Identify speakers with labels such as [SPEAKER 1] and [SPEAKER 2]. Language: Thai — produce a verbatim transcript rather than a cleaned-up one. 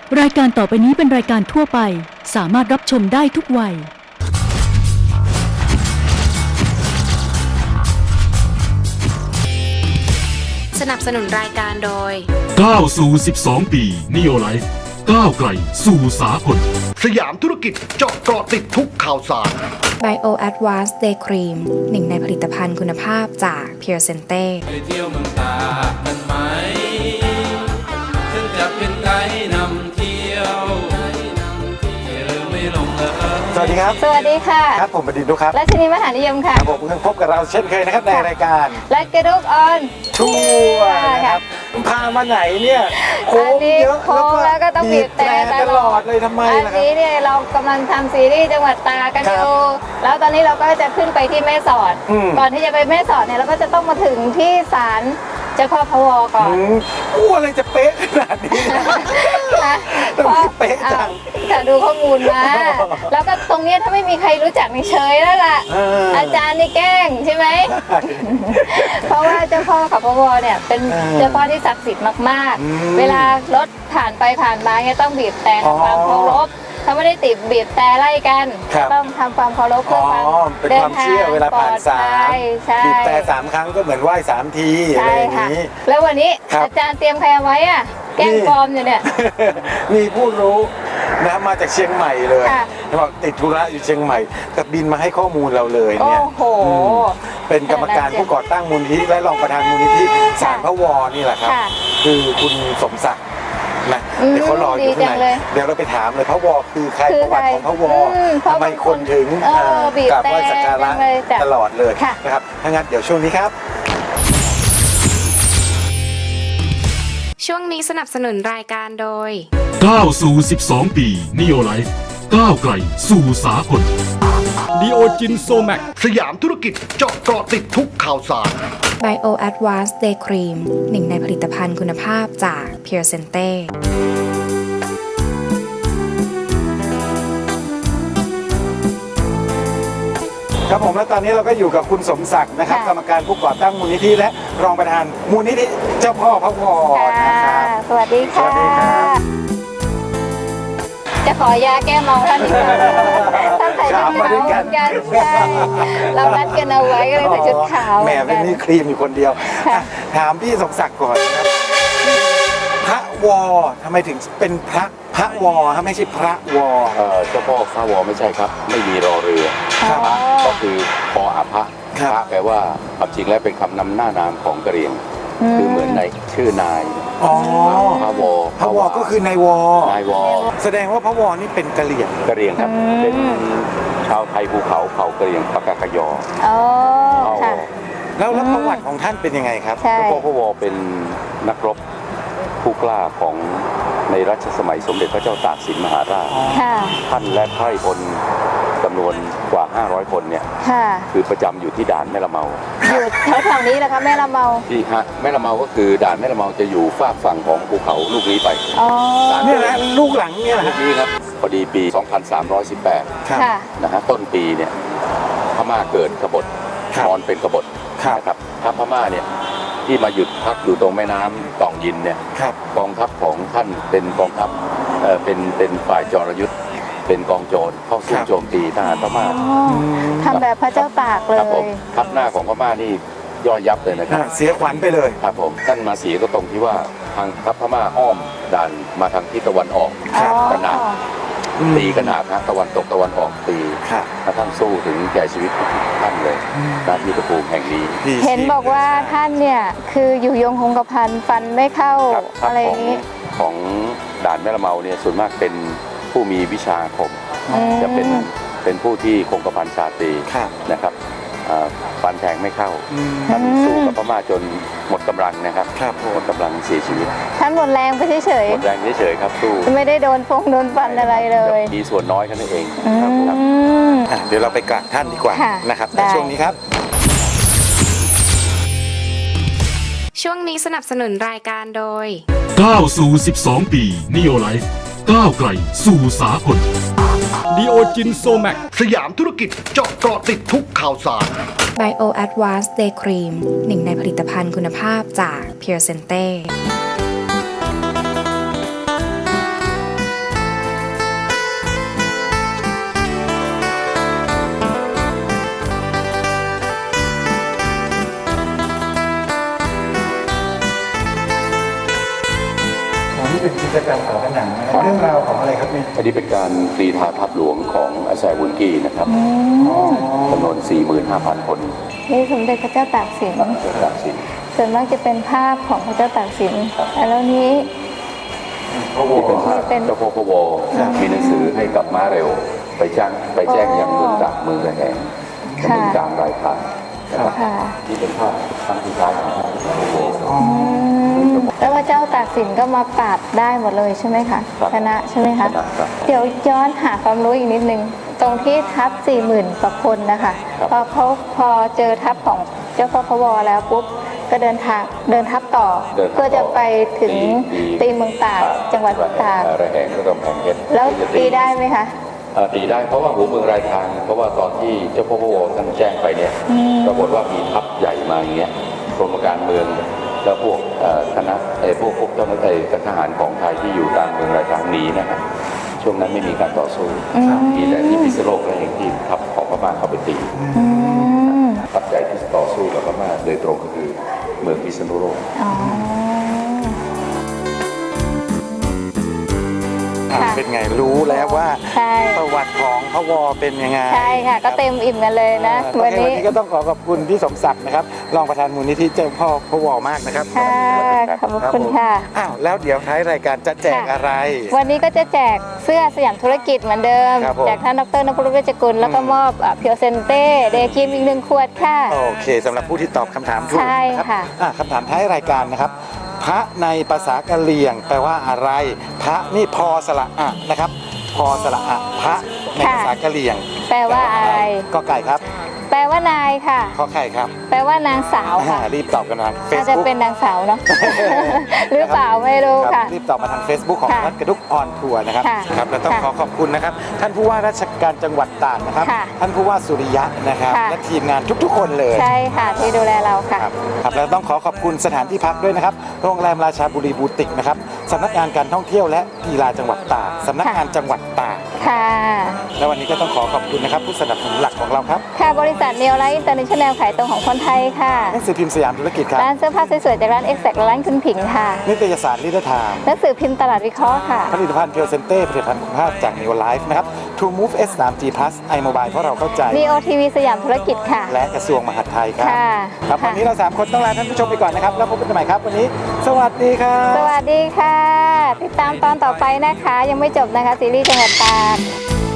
[SPEAKER 1] รายการต่อไปนี้เป็นรายการทั่วไปสามารถรับชมได้ทุกวัย
[SPEAKER 2] สนับสนุนรายการโดย
[SPEAKER 3] ก้าวสู่สิบสองปี Neo Life ก้าวไกลสู่สากล
[SPEAKER 4] สยามธุรกิจเจาะเกาะติดทุกข่าวสาร
[SPEAKER 5] Bio Advanced Day Cream หนึ่งในผลิตภัณฑ์คุณภาพจาก Pure Sente
[SPEAKER 6] ไปเที่ยวเมืองตากกันไหมฉันจะเป็นไกด์นำเที่ยวที่ลืมไม่ลงเลย
[SPEAKER 7] สวัสดีครับ
[SPEAKER 8] สวัสดีค่ะ
[SPEAKER 7] ครับผมบดินทร์ดุครับ
[SPEAKER 8] รัชนีมหานิยมค่ะ
[SPEAKER 7] ครับผมเพิ่งพบกับเราเช่นเคยนะครับในรายการ
[SPEAKER 8] รัชกระดุกออน
[SPEAKER 7] ทัวร์นะครับพามาไหนเนี่ยโค้งเยอะ
[SPEAKER 8] แล้วก็ต้องบีบแต่ตลอด
[SPEAKER 7] เลยทำไมล่ะครับ
[SPEAKER 8] อันนี้เนี่ยเรากำลังทำซีรีส์จังหวัดตากกันอยู่แล้วตอนนี้เราก็จะขึ้นไปที่แม่สอดก่อนที่จะไปแม่สอดเนี่ยเราก็จะต้องมาถึงที่ศาลเจ้าพ่อพวก่อน
[SPEAKER 7] อู้อะไรจะเป๊ะขนาดนี้ต้องเป๊ะจัง
[SPEAKER 8] จะดูข้อมูลมาแล้วก็ตรงนี้ถ้าไม่มีใครรู้จักนี่เฉยแล้วล่ะอาจารย์นี่แกล้งใช่ไหมเพราะว่าเจ้าพ่อกับพวเนี่ยเป็นเจ้าพ่อที่ศักดิ์สิทธิ์มากๆเวลารถผ่านไปผ่านมาเนี่ยต้องบีบแต่ทำความเคารพถ้าไม่ได้ติดบีบแต่ไล่กันต้องทำความเคารพเพื่อความ
[SPEAKER 7] เป็นความเชื่อเวลาผ่านศาลบีบแต่สามครั้งก็เหมือนไหว้สามทีอะไรอย่างนี้
[SPEAKER 8] แล้ววันนี้อาจารย์เตรียมใครเอาไว้อ่ะแกล้งปลอมอยู่เนี่ย
[SPEAKER 7] มีผู้รู้นะมาจากเชียงใหม่เลยบอกติดธุระอยู่เชียงใหม่กับบินมาให้ข้อมูลเราเลยเนี่ยเป็นกรรมการผู้ก่อตั้งมูลนิธิและรองประธานมูลนิธิศาลพระวอนี่แหละครับคือคุณสมศักดิ์นะเดี๋ยวเขารออยู่ข้างในเดี๋ยวเราไปถามเลยพระวอคือใครประวัติของพระวอทำไมคนถึงกราบไหว้สักการะตลอดเลยนะครับถ้างั้นเดี๋ยวช่วงนี้ครับ
[SPEAKER 2] ช่วงนี้สนับสนุนรายการโดย
[SPEAKER 3] ก้าวสู่สิบสองปี Neo Life ก้าวไกลสู่สากล
[SPEAKER 4] ดีโอจินโซแมกสยามธุรกิจเจาะเกาะติดทุกข่าวสาร
[SPEAKER 5] Bio Advanced Day Cream หนึ่งในผลิตภัณฑ์คุณภาพจาก Pure Sente
[SPEAKER 7] ครับผมและตอนนี้เราก็อยู่กับคุณสมศักดิ์นะครับกรรมการผู้ก่อตั้งมูลนิธิและรองประธานมูลนิธิเจ้าพ่อพระวอนะครับ
[SPEAKER 8] สวัสดีค่ะจะขอยาแก้เมาท่านอีกท่านใส่ชุดขาวกันใช่เรานัดกันเอาไว้ก็เลยใส่ชุดขาว
[SPEAKER 7] แหมเป็นนี่ครีมอยู่คนเดียวถามพี่สมศักดิ์ก่อนครับพระวอทำไมถึงเป็นพระพระวอฮะไม่ใช่พระวอ
[SPEAKER 9] เออเจ้าพ่อพระวอไม่ใช่ครับไม่มีรอเรือก็คือปออาภะพระแปลว่าความจริงแล้วเป็นคำนำหน้านามของกะเหรี่ยงคือเหมือนในชื่อนายพระวอ
[SPEAKER 7] พระวอก็คือนายวอ
[SPEAKER 9] นายวอ
[SPEAKER 7] แสดงว่าพระวอนี่เป็นกะเหรี่ยง
[SPEAKER 9] กะเหรี่ยงครับเป็นชาวไทยภูเขาเผ่ากะเหรี่ยงปากากยอ
[SPEAKER 8] อ๋อค่ะ
[SPEAKER 7] แล้วแล้วประวัติของท่านเป็นยังไงครับ
[SPEAKER 9] เจ้าพ่อพระวอเป็นนักรบผู้กล้าของในรัชสมัยสมเด็จพระเจ้าตากสินมหาราชท่านและไพร่พลจำนวนกว่าห้าร้อยคนเนี่ยคือประจำอยู่ที่ด่านแม่ละเมา
[SPEAKER 8] อยู่แถวๆนี้แหละครับแม่ละเมา
[SPEAKER 9] ที่ฮะแม่ละเมาก็คือด่านแม่ละเมาจะอยู่ฝากฝั่งของภูเขาลูกนี้ไป
[SPEAKER 8] อ๋อ
[SPEAKER 7] นี่แหละลูกหลังเนี่ย
[SPEAKER 9] ลูกนี้ครับพอดีปีสองพันสามร้อยสิบแปดนะฮะต้นปีเนี่ยพม่าเกิดกบฏนอนเป็นกบฏนะครับทัพพม่าเนี่ยที่มาหยุดพักอยู่ตรงแม่น้ำตองยินเนี่ยกองทัพของท่านเป็นกองทัพเอ่อเป็นเป็นฝ่ายจรยุทธ์เป็นกองโจรเข้าสู้โจมตีทหารพม่า
[SPEAKER 8] ทำแบบพระเจ้าตากเลย
[SPEAKER 9] ทัพหน้าของพม่านี่ย่อยยับเลยนะครับ
[SPEAKER 7] เสียขวัญไปเลย
[SPEAKER 9] ครับผมท่านมาเสียก็ตรงที่ว่าทางทัพพม่าอ้อมด่านมาทางทิศตะวันออกขนาดตีขนาดนะตะวันตกตะวันออกตีถ้าท่านสู้ถึงแก่ชีวิตท่านเลยณที่ตะปูแห่งนี้
[SPEAKER 8] เห็นบอกว่าท่านเนี่ยคืออยู่ยงคงกระพันฟันไม่เข้าอะไรอย่างนี้
[SPEAKER 9] ของด่านแม่ละเมาเนี่ยส่วนมากเป็นผู้มีวิชาอาคมจะเป็นเป็นผู้ที่คงกระพันชาตรีนะครับฟันแทงไม่เข้าท่านสู้กับพม่าจนหมดกำลังนะครับหมดกำลังเสียชีวิต
[SPEAKER 8] ท่านหมดแรงไปเฉย
[SPEAKER 9] ๆหมดแรงเฉยๆครับสู้
[SPEAKER 8] ไม่ได้โดนฟงโดนฟันอะไรเลย
[SPEAKER 9] มีส่วนน้อยแค่นั้นเองครับ
[SPEAKER 7] เดี๋ยวเราไปกราบท่านดีกว่านะครับในช่วงนี้ครับ
[SPEAKER 2] ช่วงนี้สนับสนุนรายการโดย
[SPEAKER 3] ก้าวสู่สิบสองปี Neo Life ก้าวไกลสู่สากล
[SPEAKER 4] ดีโอจินโซแมกสยามธุรกิจเจาะเกาะติดทุกข่าวสาร
[SPEAKER 5] Bio Advanced Day Cream หนึ่งในผลิตภัณฑ์คุณภาพจาก Pure Sente
[SPEAKER 7] ฝาผนังนะครับเรื่องราวของอะไรครับนี่
[SPEAKER 9] อันนี้เป็นการกรีธาภาพหลวงของอาแซวุนกี้นะครับจำนวน สี่หมื่นห้าพัน คน
[SPEAKER 8] นี่สมเด็จพระเจ้าตากสิน
[SPEAKER 9] เจ้าตากสิน
[SPEAKER 8] ส่วนมากจะเป็นภาพของพระเจ้าตากสินแล้วนี้
[SPEAKER 9] ที่เป็นภาพ
[SPEAKER 8] เป็น
[SPEAKER 9] เจ้าพ่อพะวอมีหนังสือให้กับม้าเร็ว ไปแจ้งไปแจ้งยังเมืองต่างเมืองระแหงกับเมืองต่างรายทางนะครับ
[SPEAKER 8] ค่ะ
[SPEAKER 9] ที่เป็นภาพครั้งสุดท้ายของพระเจ้าพะวอ
[SPEAKER 8] แล้วพระเจ้าตากสินก็มาปราบได้หมดเลยใช่ไหมคะ
[SPEAKER 9] ครับ
[SPEAKER 8] ชนะใช่ไหมคะ
[SPEAKER 9] ชนะครับ
[SPEAKER 8] เดี๋ยวย้อนหาความรู้อีกนิดนึง ตรงที่ทัพสี่หมื่นกว่าคนนะคะ
[SPEAKER 9] ครับ
[SPEAKER 8] พอเขาพอเจอทัพของเจ้าพ่อพะวอแล้วปุ๊บก็เดินทางเดินทัพต่อ
[SPEAKER 9] เดินทางต่อ
[SPEAKER 8] เพื่อจะไปถึง
[SPEAKER 9] ตี
[SPEAKER 8] ตีเมืองตากจังหวัดตาก
[SPEAKER 9] ระแหงและกำแพงเพชร
[SPEAKER 8] แล้ว
[SPEAKER 9] จะ
[SPEAKER 8] ตีได้ไหมคะ
[SPEAKER 9] เอ่อตีได้เพราะว่าหัวเมืองรายทาง เพราะว่าตอนที่เจ้าพ่อพะวอท่านแจ้งไปเนี่ยปรากฏว่ามีทัพใหญ่มาอย่างเงี้ยกรมการเมืองแล้วพวกเอ่อคณะเอ่อพวกพวกเจ้าหน้าที่ทหารของไทยที่อยู่ตามเมืองรายทางหนีนะครับช่วงนั้นไม่มีการต่อสู้มีแต่ที่พิษณุโลกและเองที่ทัพของพม่าเข้าไปตีทัพใหญ่ที่ต่อสู้กับพม่าโดยตรงก็คือเมืองพิษณุโลก
[SPEAKER 8] อ๋อ ค่ะ
[SPEAKER 7] เป็นไงรู้แล้วว่า
[SPEAKER 8] ใช่
[SPEAKER 7] ประวัติของพระวอเป็นยังไง
[SPEAKER 8] ใช่ค่ะ ก็เต็มอิ่มกันเลยนะ
[SPEAKER 7] เออ
[SPEAKER 8] วัน
[SPEAKER 7] โอเควัน
[SPEAKER 8] นี้
[SPEAKER 7] นี้ก็ต้องขอขอบคุณพี่สมศักดิ์นะครับรองประธานมูลนิธิเจ้าพ่อพระวอมากนะครับ
[SPEAKER 8] ค่ะ ขอบคุณค่ะ
[SPEAKER 7] อ้าวแล้วเดี๋ยวท้ายรายการจะแจกอะไร
[SPEAKER 8] วันนี้ก็จะแจกเสื้อสยามธุรกิจเหมือนเดิม
[SPEAKER 7] ครับผม
[SPEAKER 8] จากท่านดรนพรุษเวชกุลแล้วก็มอบเพียวเซนเต้เดย์ครีมอีกหนึ่งขวดค่ะ
[SPEAKER 7] โอเคสำหรับผู้ที่ตอบคำถามถูก
[SPEAKER 8] ใช่
[SPEAKER 7] นะ
[SPEAKER 8] ค่ะ
[SPEAKER 7] อ่ะคำถามท้ายรายการนะครับ พระในภาษากะเหรี่ยงแปลว่าอะไร พระนี่พอสระอะนะครับ พอสระอะพระในภาษากะเหรี่ยง
[SPEAKER 8] แปลว่าอะไร
[SPEAKER 7] ก็ไก่ครับ
[SPEAKER 8] แปลว่านายค่ะ
[SPEAKER 7] ขอไข่ครับ
[SPEAKER 8] แปลว่านางสาว
[SPEAKER 7] อ่า
[SPEAKER 8] ค่ะ
[SPEAKER 7] รีบตอบกันทางเฟ
[SPEAKER 8] อา
[SPEAKER 7] ซ
[SPEAKER 8] จจะ
[SPEAKER 7] บุ๊ก
[SPEAKER 8] เป็นนางสาวเนาะ หรือเปล่าไม่รู้
[SPEAKER 7] ครั
[SPEAKER 8] ค่ะ
[SPEAKER 7] บรีบตอบมาทาง Facebook ของ
[SPEAKER 8] ค่ะ
[SPEAKER 7] วัดกระดุกออนทัวร์นะครับ
[SPEAKER 8] ค่ะ
[SPEAKER 7] ครับแล้วต้อง
[SPEAKER 8] ค่ะ
[SPEAKER 7] ขอขอบคุณนะครับ ท่านผู้ว่าราชการจังหวัดตากนะครับ
[SPEAKER 8] ค่ะ
[SPEAKER 7] ท่านผู้ว่าสุริยะนะครับ
[SPEAKER 8] ค่ะ
[SPEAKER 7] และทีมงานทุกๆ คนเลย
[SPEAKER 8] ใช่ค่ะที่ดูแลเราค่ะ
[SPEAKER 7] ครับครับแล้วต้องขอขอบคุณสถานที่พักด้วยนะครับ โรงแรมราชาบุรีบูติกนะครับสำนักงานการท่องเที่ยวและกีฬาจังหวัดตากสำนักงานจังหวัดตาก
[SPEAKER 8] ค่ะ
[SPEAKER 7] และวันนี้ก็ต้องขอขอบคุณนะครับผู้สนับสนุนหลักของเราครับ
[SPEAKER 8] ค่ะบริษัทเนลไลท์อินเตอร์เนชั่นแนลขายตรงของคนไทยค่ะ
[SPEAKER 7] หนังสือพิมพ์สยามธุรกิจครับ
[SPEAKER 8] ร้านเสื้อผ้าสวยๆจากร้านเอ็กแซกและร้านคุณผิงค่ะ
[SPEAKER 7] นิตยสารลิเดอร์ไทม์
[SPEAKER 8] หนังสือพิมพ์ตลาดวิเคราะห์ค่ะ
[SPEAKER 7] ผลิตภัณฑ์เพียวเซนเต้ผลิตภัณฑ์คุณภาพจาก Neo Life นะครับ True Move เอส ทรี จี Plus iMobile เพราะเราเข้าใจ
[SPEAKER 8] ดี โอ ที วี สยามธุรกิจค่ะ
[SPEAKER 7] และกระทรวงมหาดไทยครับ
[SPEAKER 8] ค่ะ
[SPEAKER 7] ครับ
[SPEAKER 8] ค่ะ
[SPEAKER 7] วันนี้เราสามคนต้องลาท่านผู้ชมไปก่อนนะครับ แล้วพบกันใหม่ครับ วันนี้ สวัสดีครับ
[SPEAKER 8] สวัสดีค่ะ ติดตามตอนต่อไปนะคะ ยังไม่จบนะคะ ซีรีส์จังหวัดตาก